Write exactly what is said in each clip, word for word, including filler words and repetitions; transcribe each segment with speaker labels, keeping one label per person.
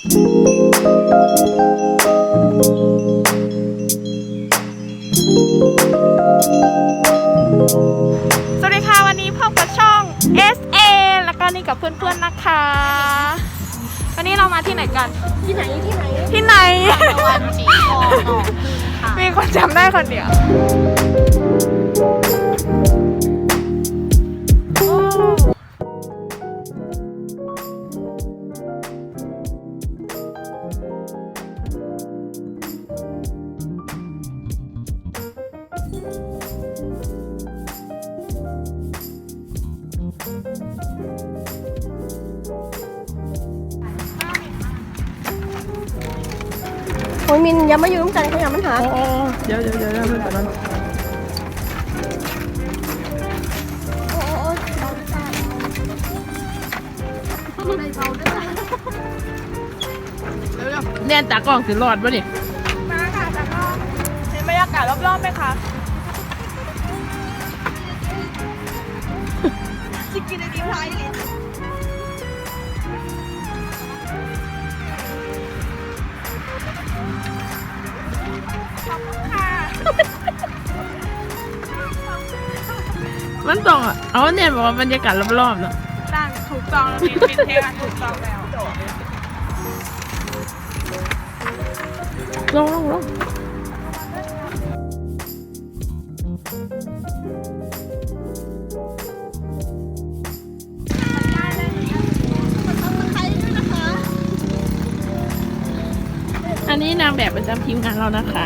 Speaker 1: สวัสดีค่ะวันนี้พบกับช่อง เอส เอ แล้วก็นี่กับเพื่อนๆนะคะวันนี้เรามาที่ไหนกันที่ไหนที่ไหนที่ไหนตะวันสีทองหนองพึ่งค่ะมีคนจำได้คนเดียว
Speaker 2: โอ้ยมินอย่ามาอยู่ร่วมกันเขาอย่ามันหา
Speaker 1: โอ้เดี๋ยวเดี๋ยวเดี๋ยวเพื่อนก่อนนั้นเนี่ยตากล้องสิรอดป่ะนี่มาค่ะตากล้องเห็นบรรยากาศรอบๆไหมคะจะกินไอติมไทยเลยมันต้องอ่ะเอาเนี่ยบอกว่าบรรยากาศรอบๆเนาะตั้งถูกต้องแล้วมีเป็นเทปถูกต้องแล้วลงลงลงอันนี้นางแบบประจำทีมงานเรานะคะ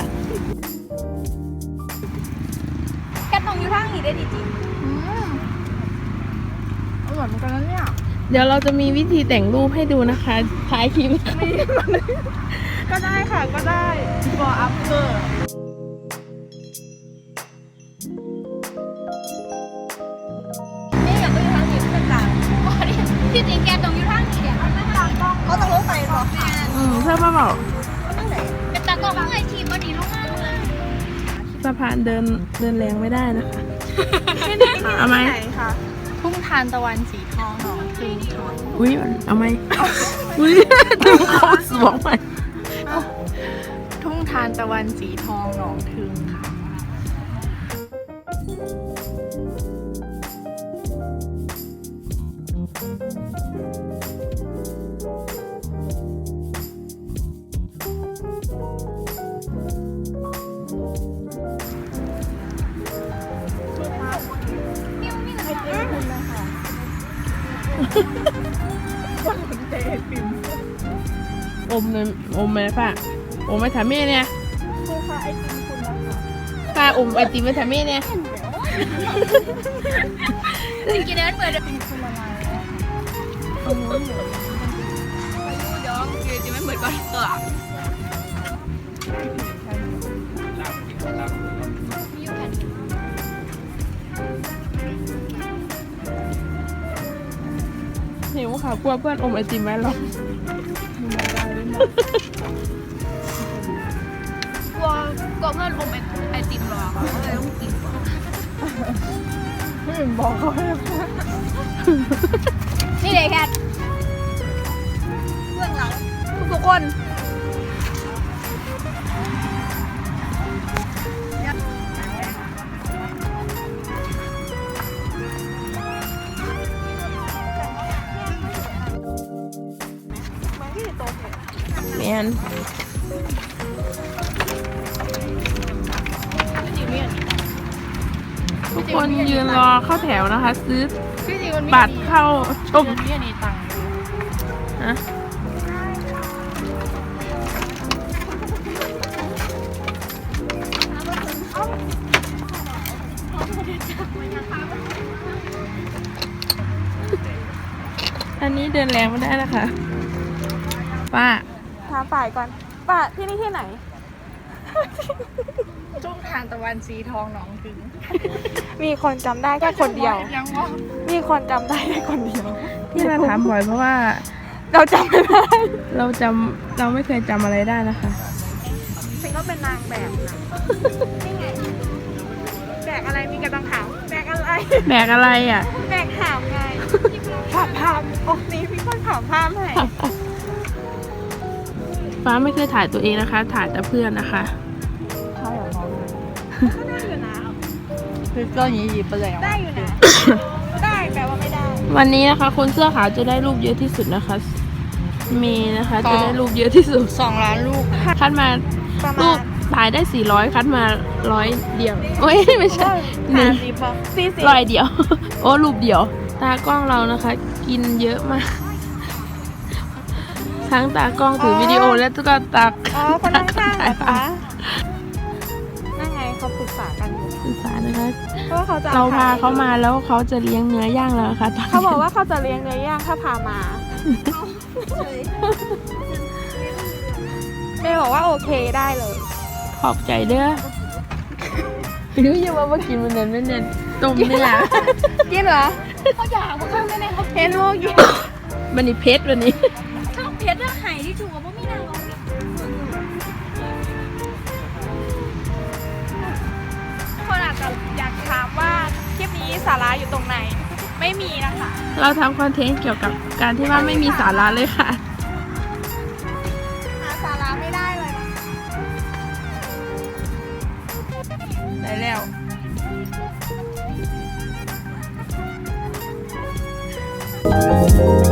Speaker 2: แกตรงอยู่ทางนี้ได้ดีจริงอร่อยเหมือนกันนะเนี่ย
Speaker 1: เดี๋ยวเราจะมีวิธีแต่งรูปให้ดูนะคะท้ายคลิปก็ได้ค่ะก็ได้ for after
Speaker 2: นี่อยากไปอยู่ทางนี้เป็นกลางที่จริงแกตรงอยู่ทางนี้เนี่ยมันตากล้องเขาต้องรู้ไปหรอ
Speaker 1: อืมเพื่อมาบอก
Speaker 2: ตั้งไหนเป็นตากล้องไอทีบอดี้ลงมา
Speaker 1: สะพานเดินเดินแรงไม่ได้นะคะไม่ได้ค่ะเอาไหม
Speaker 2: ทุ่งทานตะวันสีทองหนองพึ่งค่ะ
Speaker 1: อุ้ยเอาไหมอุ้ยถึงโคตรสวงไป
Speaker 2: ทุ่งทานตะวันสีทองหนองพึ่งค่ะ
Speaker 1: คนสนใจไอติมอมเลยอมไหมป้าอมไปถามแม่เนี่ยคือค่ะไอติมคุณนะคะป้าอมไอติมไปถามแม่เนี่ย
Speaker 2: จริงๆแล้วเปิดเป็นคนละลายแล้วโอ้โหเดี๋ยวเดี๋ยวคือจะไม่เหมือนกันเออ
Speaker 1: หิวค่ะกลัวเพื่อนอมไอติมไว้หรอก
Speaker 2: กลัวกลัวเพื่อนอมไอติมรอเขาเลยต้องกิน
Speaker 1: ไม่บอกเขา
Speaker 2: นี่เลยแคทเบื้องหลังทุกคน
Speaker 1: แมนทุกคนยืนรอเข้าแถวนะคะซื้อบัตรเข้าชมฮะอันนี้เดินแรงไม่ได้นะคะป้าถามฝ่ายก่อนป้าที่นี่ที่ไหน
Speaker 2: ทุ่งทานตะวันสีทองหนองพึ่ง
Speaker 1: มีคนจำได้แค่คนเดียวมีคนจำได้แค่คนเดียวที่เราถามบ่อยเพราะว่าเราจำไม่ได้เราจำเราไม่เคยจำอะไรได้นะคะฉันก็เป็นนางแบบนะนี่ไงแบกอะไรมีกระตังขาวแบกอะไรแบกอะไรอ่ะแบกขาวไงถามภาพโอ้นี่พี่คนถามภาพให้ฟ้าไม่เคยถ่ายตัวเองนะคะ ถ่ายแต่เพื่อนนะคะ
Speaker 3: 他有毛病。
Speaker 2: ได้อยู่นะ
Speaker 3: 是跟你一不了。
Speaker 2: ได้อยู่นะ ได้แปลว่าไม่ได้
Speaker 1: วันนี้นะคะ คนเสื้อขาวจะได้รูปเยอะที่สุดนะคะเมย์นะคะ จะได้รูปเยอะที่สุด
Speaker 3: สองล้านลูก
Speaker 1: คัดมา
Speaker 2: ประ
Speaker 1: รู
Speaker 2: มา
Speaker 1: ป
Speaker 2: ณ
Speaker 1: ถ่ายได้สี่ร้อยคัดมาร้อยเดียวโอ้ยไม่ใช่หนึ่ง
Speaker 2: สิบป่ะสี่สิบ
Speaker 1: ร้อยเดียว โอ้รูปเดียว ตากล้องเรานะคะ กินเยอะมาก ทั้งตากล้องถือวิดีโอและก็ตาก
Speaker 2: อ๋อคนข้างๆเหรอคะนั่นไงเขาปรึกษากันอยู่
Speaker 1: ศึกษานะคะ
Speaker 2: เพราะว่าเขาจะ
Speaker 1: เราพาเขามาแล้วเขาจะเลี้ยงเนื้อย่างแล้วนะคะตอนนี้
Speaker 2: เขาบอกว่าเขาจะเลี้ยงเนื้อย่างถ้าพามาเมย์บอกว่าโอเคได้เลย
Speaker 1: ขอบใจเด้อพี่รู้ยังว่าเมื่อกินมันเน้นไม่เน้นต้มเนี่ย
Speaker 2: กินเหรอเขาอยากมาข้างในเขาเห็นโมกิน
Speaker 1: มันนี่เพชรวันนี้
Speaker 2: ชอบเพชรเรื่องไห่ที่ถูกกับพวกมีนางร้องคนอาจจะอยากถามว่าคลิปนี้สาระอยู่ตรงไหน ไม่มีนะคะ
Speaker 1: เราทำคอนเทนต์เกี่ยวกับการที่ว่าไม่มีสาระเลยค่ะ
Speaker 2: หาสาระไม่ได้เลยนะ
Speaker 1: ได้แล้ว
Speaker 2: เ